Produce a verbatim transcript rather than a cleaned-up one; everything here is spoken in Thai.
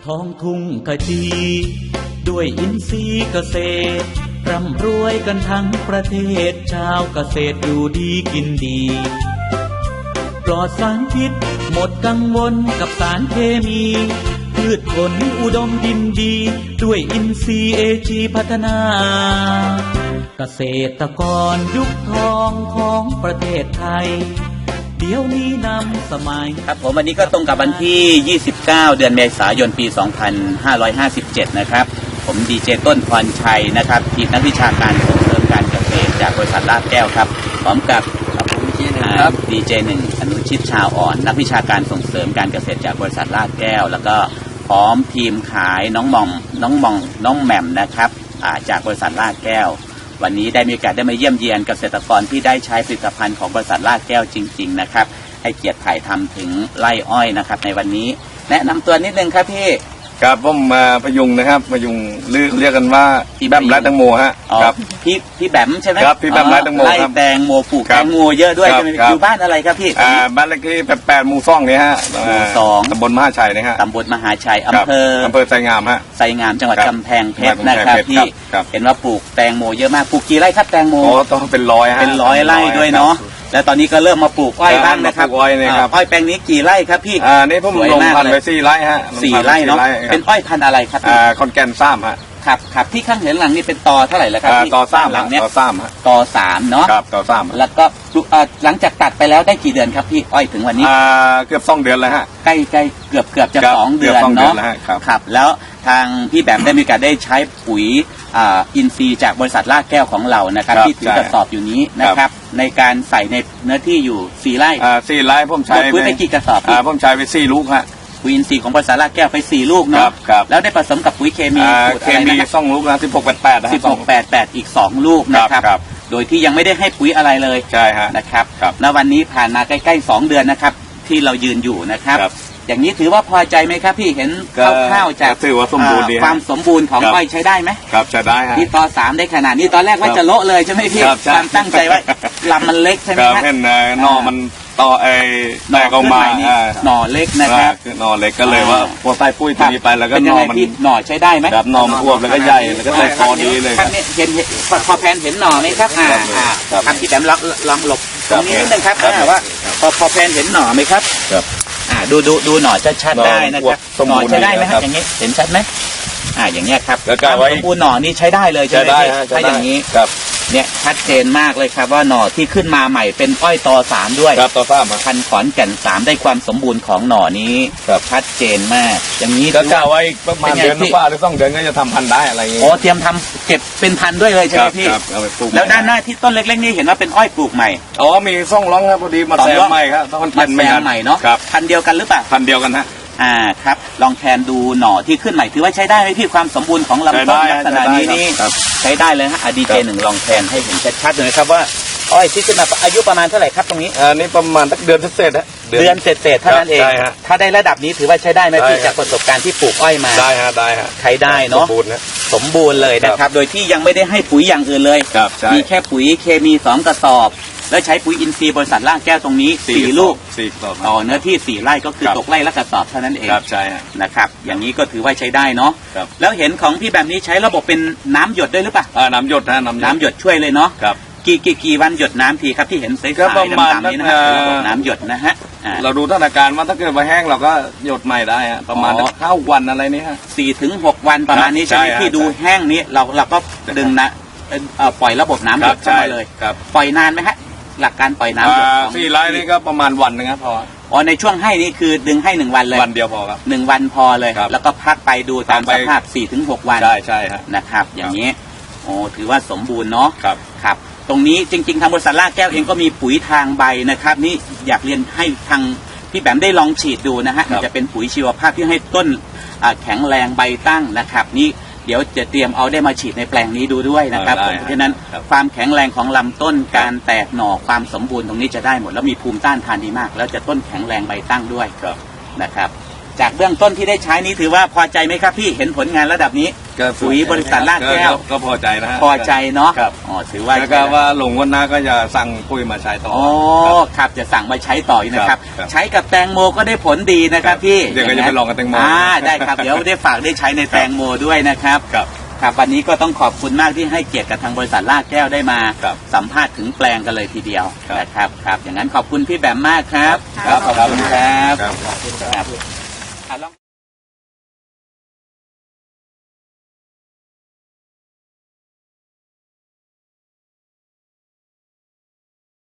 ท้องทุ่งขจีด้วยอินทรีย์เกษตรร่ำรวยกันทั้งประเทศชาวเกษตรอยู่ดีกินดีปลอดสารพิษหมดกังวลกับสารเคมีพืชผลอุดมดินดีด้วยอินทรีย์เอจีพัฒนาเกษตรกรยุคทองของประเทศไทยเดี๋ยวนี้นำสมัยครับผมวันนี้ก็ตรงกับวันที่ยี่สิบเก้าเดือนเมษายนปีสองพันห้าร้อยห้าสิบเจ็ดนะครับผมดีเจต้นพรชัยนะครับทีมนักวิชาการส่งเสริมการเกษตรจากบริษัทลาดแก้วครับพร้อมกับครับดีเจหนึ่งอนุชิตชาวอ่อนนักวิชาการส่งเสริมการเกษตรจากบริษัทลาดแก้วแล้วก็พร้อมทีมขายน้องมองน้องมองน้องแหม่มนะครับจากบริษัทลาดแก้ววันนี้ได้มีโอกาสได้มาเยี่ยมเยียนเกษตรกรที่ได้ใช้ผลิตภัณฑ์ของบริษัทลาดแก้วจริงๆนะครับให้เกียรติถ่ายทำถึงไร่อ้อยนะครับในวันนี้แนะนำตัวนิดนึงครับพี่ครับผมมาพยุงนะครับพยุงเรียกกันว่าพี่แบมไร่แตงโมฮะครับพี่พี่แบมใช่ไหมครับพี่แบมไร่แตงโมไร่แตงโมปลูกแตงโมเยอะด้วยใช่ไหมอยู่บ้านอะไรครับพี่อ่าบ้านเลขที่แปดแปดหมู่สองนี่ฮะหมู่สองตำบลมหาชัยนะฮะตำบลมหาชัยอำเภออำเภอไซงามฮะไซงามจังหวัดกำแพงเพชรนะครับพี่เห็นว่าปลูกแตงโมเยอะมากปลูกกี่ไร่ครับแตงโมโอ้ต้องเป็นร้อยฮะเป็นร้อยไร่ด้วยเนาะแล้วตอนนี้ก็เริ่มมาปลูกอ้อยบ้างนะครับอ้อยนะครับอ้อยแปลงนี้กี่ไร่ครับพี่อ่านี่ผมลงพันธุ์ไปสี่ไร่ฮะสี่ไร่เนาะเป็นอ้อยพันธุ์อะไรครับอ่าคอนแกนซ้ำฮะครับครับที่ข้างเห็นหลังนี่เป็นตอเท่าไหร่แล้วครับพี่ตอซ้ำหลังเนี้ยตอซ้ำฮะตอสามเนาะครับตอซ้ำแล้วก็หลังจากตัดไปแล้วได้กี่เดือนครับพี่อ้อยถึงวันนี้อ่าเกือบสองเดือนแล้วฮะใกล้ใกล้เกือบเกือบจะสองเดือนเนาะครับแล้วทางพี่แบบได้มีการได้ใช้ปุ๋ยอินทรีย์จากบริษัทลาดแก้วของเรานะครับที่ถือกระสอบอยู่นี้นะครับในการใส่ในเนื้อที่อยู่สี่ไร่สี่ไร่ผมใช้ปุ๋ยไปกี่กระสอบผมใช้ไปสี่ลูกฮะปุ๋ยอินทรีย์ของบริษัทลาดแก้วไปสี่ลูกเนาะแล้วได้ผสมกับปุ๋ยเคมีเคมีสองลูกนะสิบหกแปดแปดสิบหกแปดแปดอีกสองลูกนะครับโดยที่ยังไม่ได้ให้ปุ๋ยอะไรเลยใช่ฮะนะครับณวันนี้ผ่านมาใกล้ๆสองเดือนนะครับที่เรายืนอยู่นะครับอย่างนี้ถือว่าพอใจไหมครับพี่เห็นคร่าวๆจากถือว่าสมบูรณ์ดีความสมบูรณ์ของอ้อยใช้ได้ไหมครับใช้ได้ฮะที่ตอสามได้ขนาดนี้ตอนแรกว่าจะโละเลยใช่ไหมพี่ความตั้งใจว่าลำมันเล็กใช่ไหมครับเห็นหน่อมันต่อไอ้แตกออกมาหน่อเล็กนะครับหน่อเล็กก็เลยว่าพอใส่ปุ้ยตัวนี้ไปแล้วก็หน่อมันหน่อใช้ได้ไหมครับหน่อมันอ้วนแล้วก็ใหญ่แล้วก็ใส่คอดีเลยครับเห็นพอแพนเห็นหน่อไหมครับอ่าครับที่แต้มลองหลบตรงนี้นิดนึงครับว่าพอพอแพนเห็นหน่อไหมครับอ่าดูดูดูหน่อชัดๆได้นะครับหน่อใช้ได้ไหมครับอย่างนี้เห็นชัดไหมอ่าอย่างเงี้ยครับสมบูรณ์หน่อนี่ใช้ได้เลยใช่ไหมถ้าอย่างนี้เนี่ยชัดเจนมากเลยครับว่าหน่อที่ขึ้นมาใหม่เป็นอ้อยตอสามด้วยครับตอสามพันขอนแก่นสามได้ความสมบูรณ์ของหน่อนี้ชัดเจนมากอย่างนี้ก็กะไว้ประมาณเดือนกว่าหรือสองเดือนก็จะทำพันธุ์ได้อะไรอย่างเงี้ยโอ้เตรียมทำเก็บเป็นพันธุ์ด้วยเลยใช่ไหมพี่แล้วด้านหน้าที่ต้นเล็กๆนี่เห็นว่าเป็นอ้อยปลูกใหม่อ๋อมีซ่องร้องครับพอดีมาแซมใหม่ครับต้องพันธุ์ใหม่เนาะพันธุ์เดียวกันหรือเปล่าพันธุ์เดียวกันฮะอ่าครับลองแทนดูหน่อที่ขึ้นใหม่ถือว่าใช้ได้ไหมพี่ความสมบูรณ์ของลำต้นลักษณะนี้นี่ใช้ได้เลยฮะดีเจหนึ่งลองแทนให้เห็นชัดๆเลยครับว่าอ้อยที่ขึ้นมาอายุประมาณเท่าไหร่ครับตรงนี้อ่านี่ประมาณสักเดือนเศษฮะเดือนเศษๆเท่านั้นเองถ้าได้ระดับนี้ถือว่าใช้ได้ไหมพี่จากประสบการณ์ที่ปลูกอ้อยมาได้ฮะได้ฮะใช้ได้เนาะสมบูรณ์นะสมบูรณ์เลยนะครับโดยที่ยังไม่ได้ให้ปุ๋ยอย่างอื่นเลยมีแค่ปุ๋ยเคมีสองกระสอบแล้วใช้ปุ๋ยอินทรีย์บริษัทลาดแก้วตรงนี้สี่ลูกสี่กระสอบต่อเนื้อที่สี่ไร่ก็คือตกไร่ละกระสอบเท่านั้นเองครับใช่นะครับอย่างนี้ก็ถือว่าใช้ได้เนาะแล้วเห็นของพี่แบบนี้ใช้ระบบเป็นน้ำหยดด้วยหรือเปล่าอ่าน้ำหยดนะน้ำน้ำหยดช่วยเลยเนาะครับกี่กี่กี่วันหยดน้ำทีครับที่เห็นใสๆดำๆนี้นะฮะระบบน้ำหยดนะฮะเราดูสถานการณ์ว่าถ้าเกิดว่าแห้งเราก็หยดใหม่ได้ฮะประมาณห้าวันอะไรนี้ฮะสี่ถึงหกวันประมาณนี้ใช่ไหมที่ดูแห้งนี้เราเราก็ดึงนะปล่อยระบบน้ำหยดเข้ามาเลยปล่อยนานไหมฮะหลักการปล่อยน้ำหยดสี่ไร่นี่ก็ประมาณวันนึงครับพออ๋อในช่วงให้นี่คือดึงให้หนึ่งวันเลยวันเดียวพอครับหนึ่งวันพอเลยแล้วก็พักไปดูตามสภาพสี่ถึงหกวันใช่ใช่ครับนะครับอย่างนี้โอ้ถือว่าสมบูรณ์เนาะครับครับตรงนี้จริงๆทางบริษัทลาดแก้วเองก็มีปุ๋ยทางใบนะครับนี่อยากเรียนให้ทางพี่แบมได้ลองฉีดดูนะฮะจะเป็นปุ๋ยชีวภาพที่ให้ต้นแข็งแรงใบตั้งนะครับนี่เดี๋ยวจะเตรียมเอาได้มาฉีดในแปลงนี้ดูด้วยนะครับเพราะฉะนั้นความแข็งแรงของลำต้นการแตกหน่อความสมบูรณ์ตรงนี้จะได้หมดแล้วมีภูมิต้านทานดีมากแล้วจะต้นแข็งแรงใบตั้งด้วยนะครับจากเบื้องต้นที่ได้ใช้นี้ถือว่าพอใจไหมครับพี่เห็นผลงานระดับนี้ก็ปุ๋ยบริษัทลาดแก้วก็พอใจนะฮะพอใจเนาะครับอ๋อถือว่าแล้วก็ว่าหลงวันหน้าก็จะสั่งปุ๋ยมาใช้ต่ออ๋อครับจะสั่งมาใช้ต่ออีกนะครับครับใช้กับแตงโมก็ได้ผลดีนะครับครับพี่เดี๋ยวก็จะไปลองกับแตงโมอ่าได้ครับเดี๋ยวได้ฝากได้ใช้ในแตงโมด้วยนะครับครับครับวันนี้ก็ต้องขอบคุณมากที่ให้เกียรติกับทางบริษัทลาดแก้วได้มาครับสัมภาษณ์ถึงแปลงกันเลยทีเดียวครับนะครับครับอย่างนั้นขอบคุณพี่แบมมากครับครับขอบคุณครับครับครับ